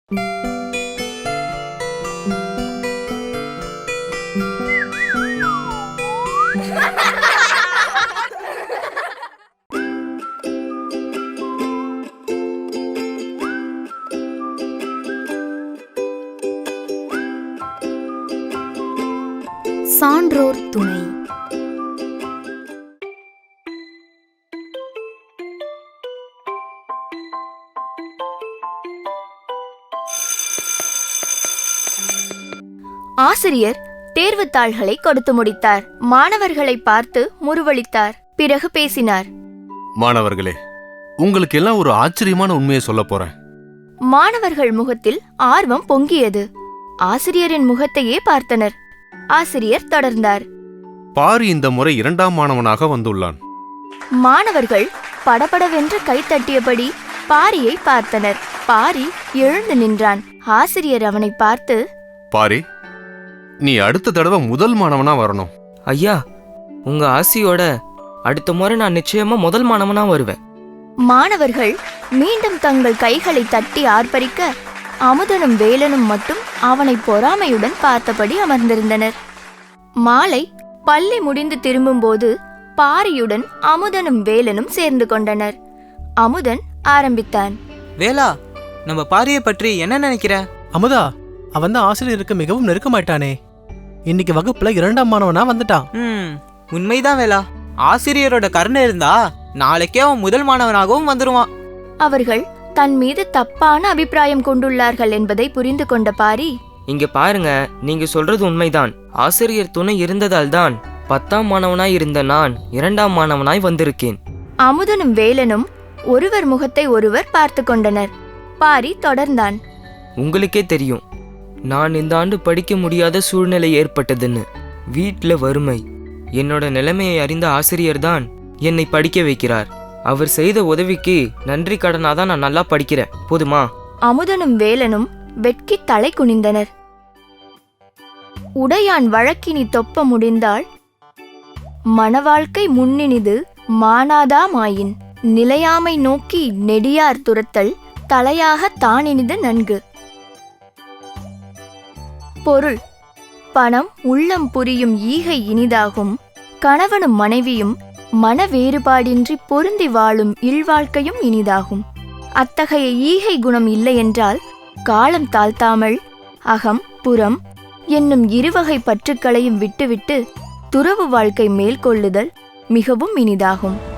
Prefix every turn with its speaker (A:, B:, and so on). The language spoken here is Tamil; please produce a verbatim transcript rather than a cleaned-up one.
A: சான்றோர் துணை. ஆசிரியர் தேர்வுத்தாள்களை கொடுத்து முடித்தார். மாணவர்களை பார்த்து முறுவலித்தார். பிறகு பேசினார்.
B: மாணவர்களே, உங்களுக்கு எல்லாம் ஒரு ஆச்சரியமான உண்மையை சொல்ல போறேன்.
A: மாணவர்கள் முகத்தில் ஆர்வம் பொங்கியது. ஆசிரியரின் முகத்தையே பார்த்தனர். ஆசிரியர் தொடர்ந்தார்.
B: பாரி இந்த முறை இரண்டாம் மாணவனாக வந்துள்ளான்.
A: மாணவர்கள் படபடவென்று கைத்தட்டியபடி பாரியை பார்த்தனர். பாரி எழுந்து நின்றான். ஆசிரியர் அவனை பார்த்து,
B: பாரி, நீ அடுத்த தடவை முதல் மாணவனா வரணும்.
C: ஐயா, உங்க ஆசியோட அடுத்த முறை நான் நிச்சயமா முதல் மாணவனா வருவேன்.
A: மாணவர்கள் மீண்டும் தங்கள் கைகளை தட்டி ஆர்ப்பரிக்க, அமுதனும் வேலனும் மட்டும் அவனை பொறாமையுடன் பார்த்தபடி அமர்ந்திருந்தனர். மாலை பள்ளி முடிந்து திரும்பும்போது பாரியுடன் அமுதனும் வேலனும் சேர்ந்து கொண்டனர். அமுதன் ஆரம்பித்தான்.
D: வேலா, நம்ம பாரியை பற்றி என்ன நினைக்கிற?
E: அமுதா, அவன் தான் ஆசிரியருக்கு மிகவும் நெருக்கமாயிட்டானே. இன்னைக்கு வகுப்புல இரண்டாம் மாணவனா வந்துட்டான்.
D: ம் உண்மைதான் வேலா. ஆசிரியரோட கருணை இருந்தா நாளைக்கே அவன் முதல் மாணவனாகவும் வந்துருவான்.
A: அவர்கள் தன் மீது தப்பான அபிப்பிராயம் கொண்டுள்ளார்கள் என்பதை புரிந்து கொண்ட பாரி,
C: இங்க பாருங்க, நீங்க சொல்றது உண்மைதான். ஆசிரியர் துணை இருந்ததால் தான் பத்தாம் மாணவனாய் இருந்த நான் இரண்டாம் மாணவனாய் வந்திருக்கேன்.
A: அமுதனும் வேலனும் ஒருவர் முகத்தை ஒருவர் பார்த்து கொண்டனர். பாரி தொடர்ந்தான்.
C: உங்களுக்கே தெரியும், நான் இந்த ஆண்டு படிக்க முடியாத சூழ்நிலை ஏற்பட்டதுன்னு. வீட்ல வறுமை. என்னோட நிலைமையை அறிந்த ஆசிரியர் தான் என்னை படிக்க வைக்கிறார். அவர் செய்த உதவிக்கு நன்றி கடனாதான் நான் நல்லா படிக்கிறேன். போதுமா?
A: அமுதனும் வேலனும் வெட்கி தலை குனிந்தனர். உடையான் வழக்கினி தொப்ப முடிந்தாள், மணவாழ்க்கை முன்னினிது மானாதா மாயின், நிலையாமை நோக்கி நெடியார் துரத்தல் தலையாக தானினிது நன்கு. பொருள்: பணம் உள்ளம் புரியும் ஈகை இனிதாகும், கணவனும் மனைவியும் மன வேறுபாடின்றி பொருந்தி வாழும் இல்வாழ்க்கையும் இனிதாகும். அத்தகைய ஈகை குணம் இல்லையென்றால் காலம் தாழ்த்தாமல் அகம் புறம் என்னும் இருவகை பற்றுக்களையும் விட்டுவிட்டு துறவு வாழ்க்கை மேற்கொள்ளுதல் மிகவும் இனிதாகும்.